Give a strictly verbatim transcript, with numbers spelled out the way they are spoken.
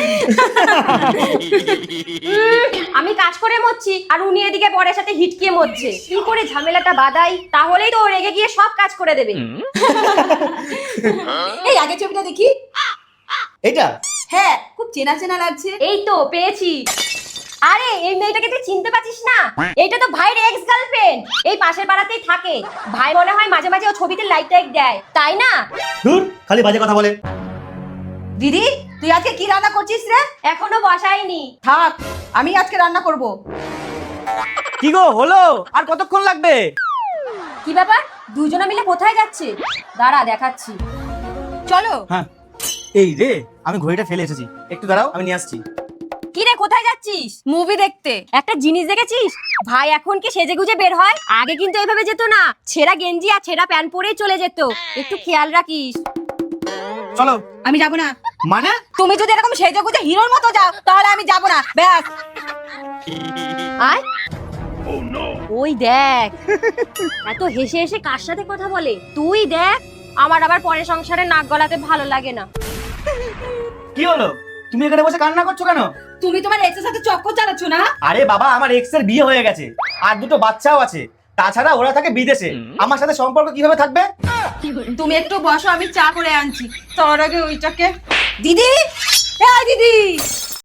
আমি কাজ করে মরছি আর উনি এদিকে বরের সাথে হিটকিয়ে মরছে। কি করে ঝামেলাটা বাঁধাই, তাহলেই তো ও রেগে গিয়ে সব কাজ করে দেবে। এই আগে ছবিটা দেখি। এটা হ্যাঁ, খুব চেনা চেনা লাগছে। এই তো পেয়েছি। আরে এই মেয়েটাকে তুই চিনতে পারছিস না? এইটা তো ভাইয়ের এক্স গার্লফ্রেন্ড, এই পাশের পাড়াতেই থাকে। ভাই মনে হয় মাঝে মাঝে ও ছবিতে লাইক টাইক দেয়, তাই না? দূর, খালি বাজে কথা বলে। দিদি, তুই আজকে কি রান্না করছিস রে? এখনো বসাইনি। থাক, আমি আজকে রান্না করব। কি গো হলো? আর কতক্ষণ লাগবে? কি ব্যাপার, দুজনে মিলে কোথায় যাচ্ছে? দাঁড়া দেখাচ্ছি। চলো। হ্যাঁ, এই রে, আমি ঘড়িটা ফেলে এসেছি, একটু দাঁড়াও, আমি নিয়ে আসছি। কি রে, কোথায় যাচ্ছিস? মুভি দেখতে। একটা জিনিস দেখেছিস, ভাই এখন কি সেজে গুজে বের হয়? আগে কিন্তু এইভাবে যেত না, ছেঁড়া গেঞ্জি আর ছেঁড়া প্যান্ট পরেই চলে যেত। একটু খেয়াল রাখিস। চলো। আমি যাব না। মানে? তুমি যদি এরকম সেজে গুজে হিরোর মতো যাও তাহলে আমি যাব না, ব্যাস। আয় ওই দেখ, এত হেসে হেসে কার সাথে কথা বলে। তুই দেখ, আমার আবার পরে সংসারে নাক গলাতে ভালো লাগে না। কি হলো? তুমি এখানে বসে কান্না করছো কেন? তুমি তোমার এক্সের সাথে চক্কর চালাচ্ছ না? আরে বাবা, আমার এক্স এর বিয়ে হয়ে গেছে আর দুটো বাচ্চাও আছে। তাছাড়া ওরা থাকে বিদেশে, আমার সাথে সম্পর্ক কিভাবে থাকবে? তুমি একটু বসো, আমি চা করে আনছি। তার আগে ওইটাকে। দিদি, এই দিদি।